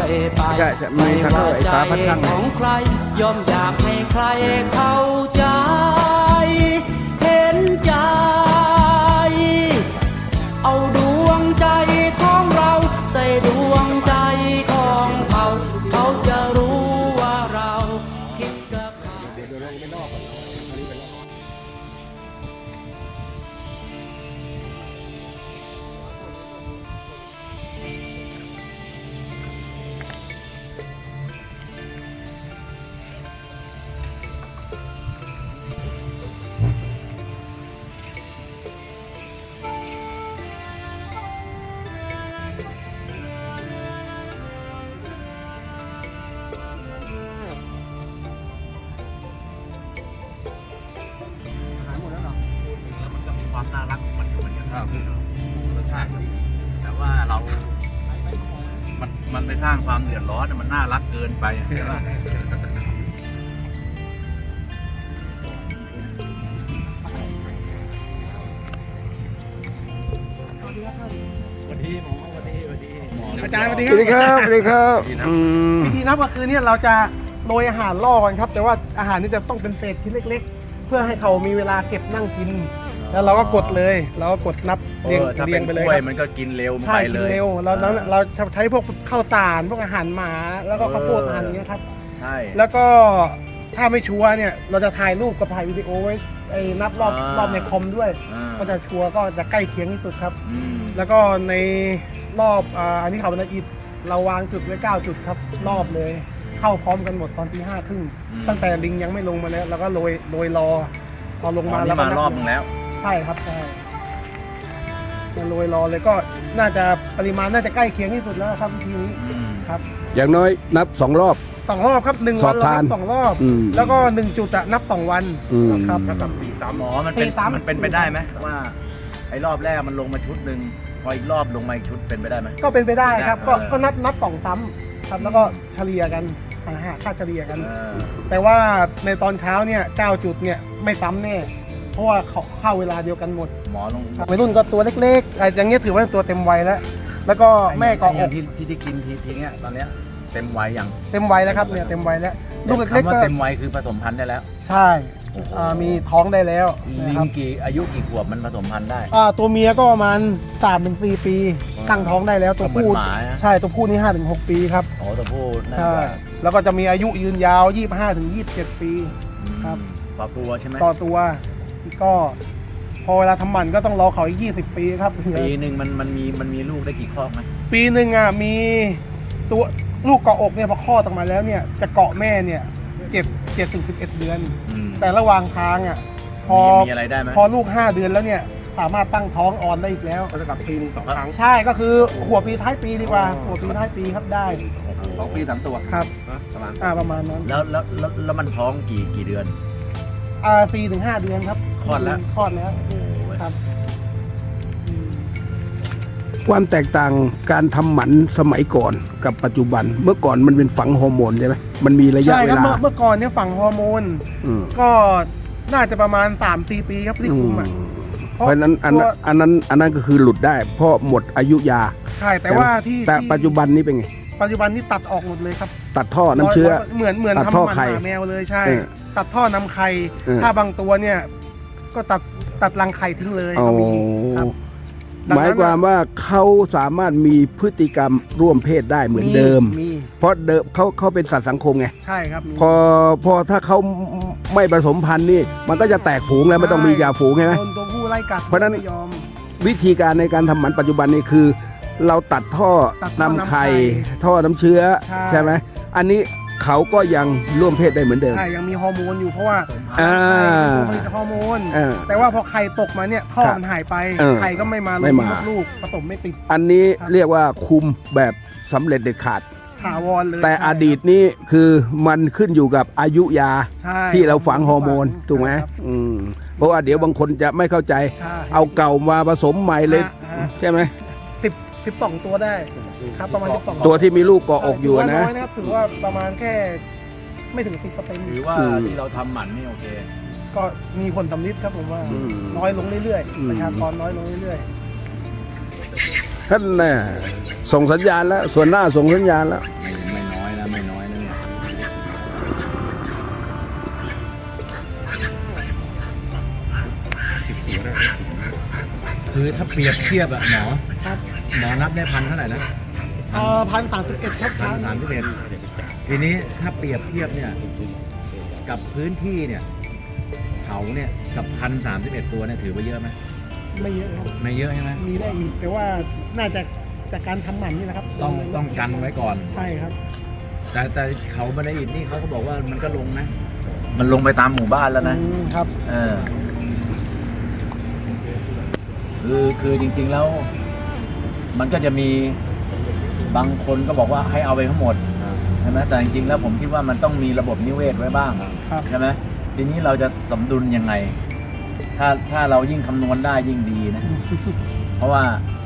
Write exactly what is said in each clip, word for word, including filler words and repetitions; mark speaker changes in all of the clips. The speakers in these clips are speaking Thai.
Speaker 1: อยไปไม่ว่าใจของใครย่อมอยากให้ใครเข้าใจเห็นใจเอาดวงใจของเราใส่ดวงใจของเขาเขาจะรู้ว่าเราคิดกับเขา
Speaker 2: ความน่ารักของมันอยู่เหมือนกันครับรสชาติแต่ว่าเรา มันมันไปสร้างความเดือดร้อนมันน่ารักเกินไปใช่ไหมสวัสดีหมอสวัสดีสวัสดีหมออาจารย์สวัสดี
Speaker 3: สวัสดีครับสวัสดีครับ
Speaker 4: วิธีนับก็คือเนี่ยเราจะโรยอาหารล่อกันครับแต่ว่าอาหารนี่จะต้องเป็นเศษชิ้นเล็กๆเพื่อให้เขามีเวลาเก็บนั่งกินแล้วเราก็กดเลยเราก็กดนับเรียงเรียงไปเลยครับ
Speaker 2: มันก็กินเร็วไปเลย
Speaker 4: ใช่กินเร็วเราเราใช้พวกข้าวสารพวกอาหารหมาแล้วก็ข้าวโพดอาหารนี้ครับ
Speaker 2: ใช่
Speaker 4: แล้วก็ถ้าไม่ชัวร์เนี่ยเราจะถ่ายรูปกับถ่ายวิดีโอไว้ไอ้นับรอบรอบในคอมด้วยก็จะชัวร์ก็จะใกล้เคียงที่สุดครับแล้วก็ในรอบอันนี้เขาเป็นอิฐเราวางจุดไว้เก้าจุดครับรอบเลยเข้าพร้อมกันหมดตอนที่ห้าครึ่งตั้งแต่ลิงยังไม่ลงมาแล้วแล้วก็โรยโรยรอพอลงมาแล้ว
Speaker 2: มารอบนึงแล้ว
Speaker 4: ใช่ครับใช่มาโรยรอเลยก็น่าจะปริมาณน่าจะใกล้เคียงที่สุดแล้วครับวิธีนี้ครับ
Speaker 3: อย่างน้อยนับสองรอบ
Speaker 4: สองรอบครับหนึ่งวันเรานับสองรอบแล้วก็หนึ่งจุดอะนับสองวันครับ
Speaker 2: แล้วกับสี่สามหมอมันเป็นมันเป็นไปได้ไหมว่าไอ้รอบแรกมันลงมาชุดหนึ่งพออีกรอบลงมาอีกชุดเป็นไปได้ไหม
Speaker 4: ก็เป็นไปได้ครับก็ก็นับนับสองซ้ำครับแล้วก็เฉลี่ยกันหาค่าเฉลี่ยกันแต่ว่าในตอนเช้าเนี่ยเก้าจุดเนี่ยไม่ซ้ำแน่เพราะว่าเขาเข้าเวลาเดียวกันหมด
Speaker 2: หมอลง
Speaker 4: วัยรุ่นก็ตัวเล็กๆอย่างเงี้ยถือว่าตัวเต็มวัยแล้วแล้วก็แม่ก็อ
Speaker 2: กที่ที่ที่กินทีทีเนี้ยตอนเนี้ยเต็มวัยยัง
Speaker 4: เต็มวัยแล้วครับเนี่ยเต็มวัยแล้วลูกเล็กๆก็
Speaker 2: เต็มวัยคือผสมพันธุ์ได้แล้ว
Speaker 4: ใช่มีท้องได้แล้ว
Speaker 2: ลิงกี่อายุกี่ขวบมันผสมพันธุ์ได้
Speaker 4: ตัวเมียก็ประมาณสามถึงสี่ปีตั้งท้องได้แล้วตัวผู้ใช่ตัวผู้นี่ห้าถึงหกปีครับ
Speaker 2: อ๋อตัวผู้
Speaker 4: ใช่แล้วก็จะมีอายุยืนยาวยี่สิบห้าถึงยี่สิบเจ็ดปีครับ
Speaker 2: ต่อตัวใช่ไหม
Speaker 4: ต่อตัวก็พอเวลาทำหมันก็ต้องรอเขาอีกยี่สิบปีครับ
Speaker 2: ปีหนึ่งมันมันมีมันมีลูกได้กี่ข้อไหม
Speaker 4: ปีหนึ่งอ่ะมีตัวลูกเกาะอกเนี่ยพอคลอดออกมาแล้วเนี่ยจะเกาะแม่เนี่ยเจ็ดเจ็ดถึงสิบเอ็ดเดือนแต่ระหว่างทางอ่ะพอ
Speaker 2: มีอะไรได้ไหม
Speaker 4: พอลูกห้าเดือนแล้วเนี่ยสามารถตั้งท้องอ่อนได้อีกแล้วก็จะกลับปีนึงสองครั้งใช่ก็คือหัวปีท้ายปีดีกว่าหัวปีท้ายปีครับได้
Speaker 2: สองปีสามตัว
Speaker 4: ครับประมาณอ่าประมาณนั้น
Speaker 2: แล้วแล้วแล้วมันท้องกี่กี่เดือน
Speaker 4: อ่าสี่ถึงห้าเดือนครับ
Speaker 2: คลอดแล้ว
Speaker 4: คลอดแล้วครับ
Speaker 3: ความแตกต่างการทำหมันสมัยก่อนกับปัจจุบันเมื่อก่อนมันเป็นฝังฮอร์โมนใช่ไหมมันมีระยะเวลา
Speaker 4: เมื่อก่อนเนี่ยฝังฮอร์โมนก็น่าจะประมาณสามสี่ปีครับที่คุมอ่ะ
Speaker 3: เพราะนั้นอันนั้นอันนั้นอันนั้นก็คือหลุดได้เพราะหมดอายุยา
Speaker 4: ใช่แต่ว่าที่
Speaker 3: แต่ปัจจุบันนี้เป็นไง
Speaker 4: ปัจจุบันนี้ตัดออกหมดเลยครับ
Speaker 3: ตัดท่อน้ำเชื้อ
Speaker 4: เหมือนเหมือนทำหมันแมวเลยใช่ตัดท่อน้ำไข่ถ้าบางตัวเนี่ยก็ตัดตัดรังไข่ทิ้งเลยก็มีครับ
Speaker 3: หมายความว่าเขาสามารถมีพฤติกรรมร่วมเพศได้เหมือนเดิมเพราะเดิมเขาเขาเป็นสัตว์สังคมไง
Speaker 4: ใช่ครับ
Speaker 3: พอพอถ้าเขาไม่ผสมพันธุ์นี่มันก็จะแตกฝูงแล้วไม่ต้องมียาฝูงใช่ไหม
Speaker 4: ตัวผู้ไล่กัด
Speaker 3: เพราะนั้นวิธีการในการทำหมันปัจจุบันนี่คือเราตัดท่อนำไข่ท่อน้ำเชื้อใช่ไหมอันนี้เขาก็ยังร่วมเพศได้เหมือนเดิม
Speaker 4: ใช่ยังมีฮอร์โมนอยู่เพราะว่าผลิตฮอร์โมนแต่ว่าพอไข่ตกมาเนี่ยท่อมันหายไปไข่ก็ไม่มาลูกผสมไม่ติด
Speaker 3: อันนี้เรียกว่าคุมแบบสำเร็จเด็ดขาด
Speaker 4: ถาวรเลย
Speaker 3: แต่อดีตนี้คือมันขึ้นอยู่กับอายุยาที่เราฝังฮอร์โมนถูกไหมเพราะว่าเดี๋ยวบางคนจะไม่เข้าใจเอาเก่ามาผสมใหม่เลยใช่ไหม
Speaker 4: สิบสิบสองตัวได้ครับประมาณสิบสอง
Speaker 3: ตัวที่มีลูกเกาะอกอยู่นะ
Speaker 4: น้อยนะครับถือว่าประมาณแค่ไม่ถึงสิบเปอร์เซ็นต์
Speaker 2: ถือว่าที่เราทำหมันนี่โอเค
Speaker 4: ก็มีผลสำลิดครับผมว่าน้อยลงเรื่อยๆประชากรน้อยลงเรื่อย
Speaker 3: ๆท่านน่ะส่งสัญญาณแล้วส่วนหน้าส่งสัญญาณแล้ว
Speaker 2: คือถ้าเปรียบเทียบอะหมอ
Speaker 4: ครับ
Speaker 2: หมอนับได้พันเท่าไหร่นะ
Speaker 4: เอ่อพันสามสิบเอ็ดครับ
Speaker 2: พันสามสิบเอ็ดทีนี้ถ้าเปรียบเทียบเนี่ยกับพื้นที่เนี่ยเขาเนี่ยกับพันสามสิบเอ็ดตัวเนี่ยถือว่าเยอะไหม
Speaker 4: ไม่เยอะครับ
Speaker 2: ไม่เยอะใช่ไหม
Speaker 4: มีได้อีกแต่ว่าน่าจะจากการทำหมันนี่แหละครับ
Speaker 2: ต้องต้องกันไว้ก่อน
Speaker 4: ใช่ครับ
Speaker 2: แต่แต่เขาบันไดอิฐนี่เขาก็บอกว่ามันก็ลงนะ มันลงไปตามหมู่บ้านแล้วนะ
Speaker 4: อืมครับ
Speaker 2: เออคือคือจริงๆแล้ว มันก็จะมีบางคนก็บอกว่าให้เอาไปทั้งหมดใช่ไหมแต่จริงๆแล้วผมคิดว่ามันต้องมีระบบนิเวศไว้บ้าง
Speaker 4: ครับ
Speaker 2: ใช่ไหมทีนี้เราจะสมดุลยังไง ถ้าถ้าเรายิ่งคำนวณได้ยิ่งดีนะ เพราะว่า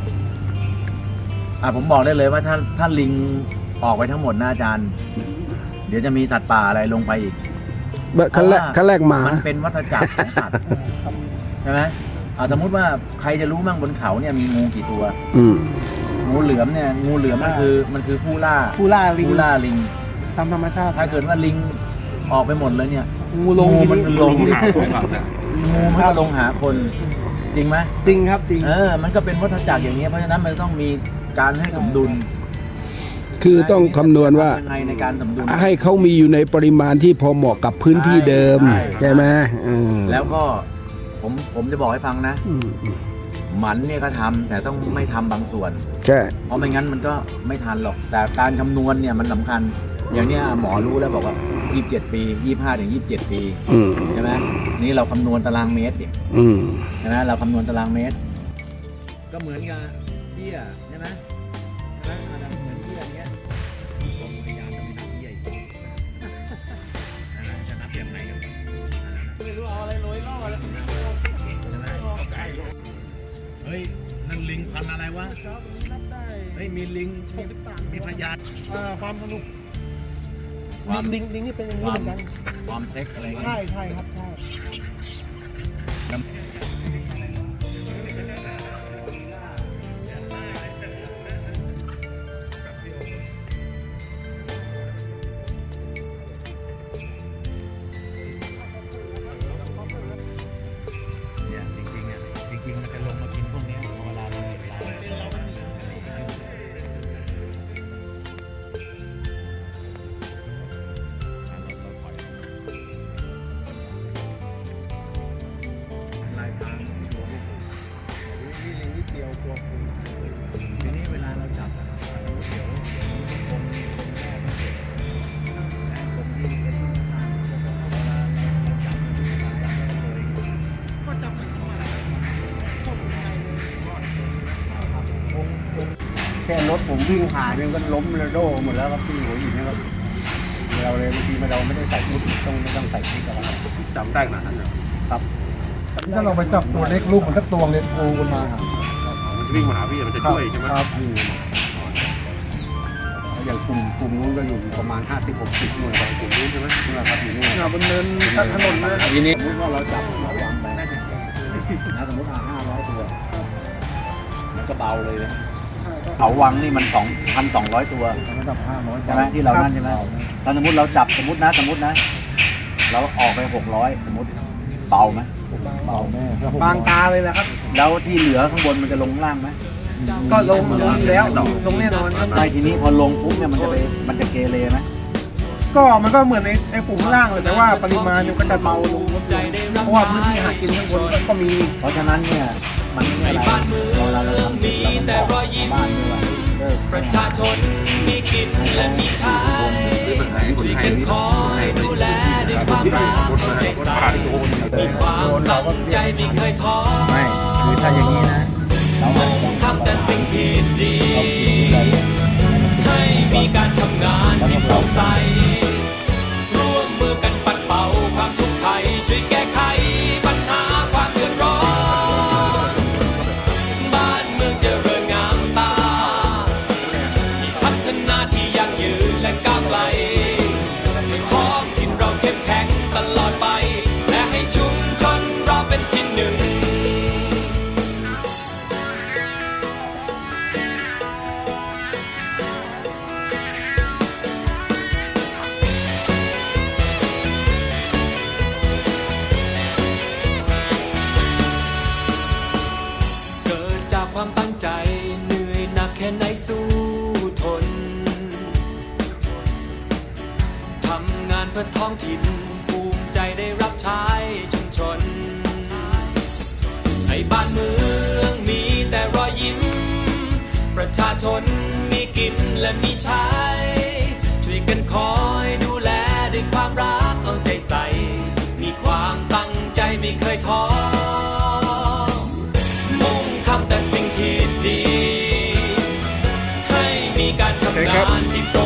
Speaker 2: อ่ะผมบอกได้เลยว่าถ้าถ้าลิงออกไปทั้งหมดนะอาจารย์ เดี๋ยวจะมีสัตว์ป่าอะไรลงไปอีก
Speaker 3: ขั้นแรกขั้นแรกหมา
Speaker 2: มันเป็นวัฏจักรของสัตว์ใช่ไหมเอาสมมุติว่าใครจะรู้มั่งบนเขาเนี่ยมีงูกี่ตัว
Speaker 3: อืม
Speaker 2: งูเหลือมเนี่ยงูเหลือมมันคือมันคือผู้ล่า
Speaker 4: ผู้ล่าลิง
Speaker 2: ผู้ล่าลิง
Speaker 4: ตามธรรมชาติ
Speaker 2: ถ้าเกิดว่าลิงออกไปหมดเลยเนี่ย
Speaker 4: งูลง
Speaker 2: งูมันลง
Speaker 4: ที
Speaker 2: หาคนงูมันก็ลงหาคน จริงไหม
Speaker 4: จริงครับจริง
Speaker 2: เออ มันก็เป็นวัฏจักรอย่างเงี้ยเพราะฉะนั้นมันต้องมีการให้สมดุล
Speaker 3: คือต้องคำนวณว่า
Speaker 2: ยังไงในการสมดุล
Speaker 3: ให้เขามีอยู่ในปริมาณที่พอเหมาะกับพื้นที่เดิม
Speaker 2: ใช่
Speaker 3: ใช่ไหมอืม
Speaker 2: แล้วก็ผมผมจะบอกให้ฟังนะ
Speaker 3: อืม
Speaker 2: หมันเนี่ยก็ทำแต่ต้องไม่ทำบางส่วน
Speaker 3: ใช่
Speaker 2: เพราะไม่งั้นมันก็ไม่ทันหรอก แต่การคำนวณเนี่ยมันสำคัญ อย่างเนี้ยหมอรู้แล้วบอกว่ายี่สิบเจ็ดปียี่สิบห้าถึงยี่สิบเจ็ดปี
Speaker 3: อืม
Speaker 2: ใช่ไหมนี่เราคำนวณตารางเมตรดิ
Speaker 3: อืม
Speaker 2: ใช่ไหมเราคำนวณตารางเมตร ก็เหมือนกับเบี้ยใช่ไหมใช่ไหมมันเหมือนเบี้ยอย่างเงี้ยผมพยายามจะไม่นับเบี้ยอีกจะนับยังไงกันไม่รู้เอาอะไรโรยล่อเลยเฮ้ยนั่นลิงพันอะไรวะ
Speaker 4: นับได้
Speaker 2: เฮ้ยมีลิง
Speaker 4: หกสิบสาม
Speaker 2: มีพยาน
Speaker 4: อ่าความสนุก
Speaker 2: ความ
Speaker 4: ลิงลิงนี่เป็นอย่างนี้เหมือนกัน
Speaker 2: ความเซ็กอะไรเงี้ย
Speaker 4: ใช่ใช่ครับใช่
Speaker 2: เนี่ยจริงๆอ่ะจริงๆมันจะลงมากินพวกเนี้ยเวลาเราเห็นเราลายพรางตัวพวกผมนี่ลิงนิดเดียวตัวคุณทีนี้เวลาเราจับอะเดี๋ยวเดี๋ยวทุกคนแม่ก็เก็บแม่ผมที่เป็นทางเวลาเราจับเราจับเลย
Speaker 4: ก็จำเป็นว่าอะไรพวกไทย
Speaker 5: แค่รถผมวิ่งผ่านเนี่ยก็ล้มระโดหมดแล้วครับที่หัวหินนะครับเราเลยบางทีเราไม่ได้ใส่ชุดต้องไม่ต้องใส่ชุดกันแล้วจำได้ขนาดนั้นครับ
Speaker 4: ถ้าเราไปจับตัวเล็กลูกมันสักตัวเลยโผล่ขึ้นมาครับ
Speaker 5: มันจะวิ่งมาหาพี่มันจะช่วยใช่ไหมครับอย่างกลุ่มกลุ่มนู้นก็อยู่ประมาณห้าสิบหกสิบหน่วยครับกลุ่มนู้นใช่ไหมนี่แหละครับอยู่นู่น
Speaker 4: บนเนินถนนนะ
Speaker 2: ทีนี้
Speaker 5: สมมติว่าเราจับเราวางไปนะสมมติอ่าห้าร้อยตัว
Speaker 2: มันก็เบาเลยนะเขาวังนี่มันสองพันสองร้อยตัว
Speaker 5: ระดับห้าร้อย
Speaker 2: ใช่ไหมที่เรานั่นใช่ไหมถ้าสมมติเราจับสมมตินะสมมตินะ เราออกไปหกร้อยสมมติเบาไหม
Speaker 5: เบาแม่
Speaker 4: บางตาเลยแหละครับ
Speaker 2: แล้วที่เหลือข้างบนมันจะลงล่างไหม
Speaker 4: ก็ลงลงแล้วลงแน่นอนครับ
Speaker 2: ใช่ทีนี้พอลงปุ๊บเนี่ยมันจะไปมันจะเกเรไหม
Speaker 4: ก็มันก็เหมือนในในฝูงข้างล่างเลยแต่ว่าปริมาณมันก็จะเบาลงเพราะว่าพื้นที่หากินข้างบนก็มี
Speaker 2: เพราะฉะนั้นเนี่ยมันไม่มีอะไรเราเราเราทำผิดเราต้องบอกชาวบ้านด้วยว่าเลิก
Speaker 1: ประชาชนมีกินและมีใช้ช่วยกันคอยดูแลด้วยความรักเอาใจใส่มีความตั้งใจไม่เคยท้อ
Speaker 2: ไม่คือถ้าอย่างนี้นะเราไม่ต้อง
Speaker 1: ทำแต่สิ่งที่ดี
Speaker 2: เราคิดเรา
Speaker 1: ให้มีการทำงานที่โปร่งใสร่วมมือกันปัดเป่าความทุกข์ภัยช่วยแก้ไขปัญหาความเดือดร้อนบ้านเมืองเจริญงามตาที่พัฒนาที่ยั่งยืนและก้าวไกลให้ท้องถิ่นเราเข้มแข็งตลอดไปและให้ชุมชนเราเป็นที่หนึ่ง เกิเพื่อท้องถิ่นภูมิใจได้รับใช้ชุมชนให้บ้านเมืองมีแต่รอยยิ้มประชาชนมีกินและมีใช้ช่วยกันคอยดูแลด้วยความรักเอาใจใส่มีความตั้งใจไม่เคยท้อมุ่งทำแต่สิ่งที่ดีให้มีการทำงานที่โปร่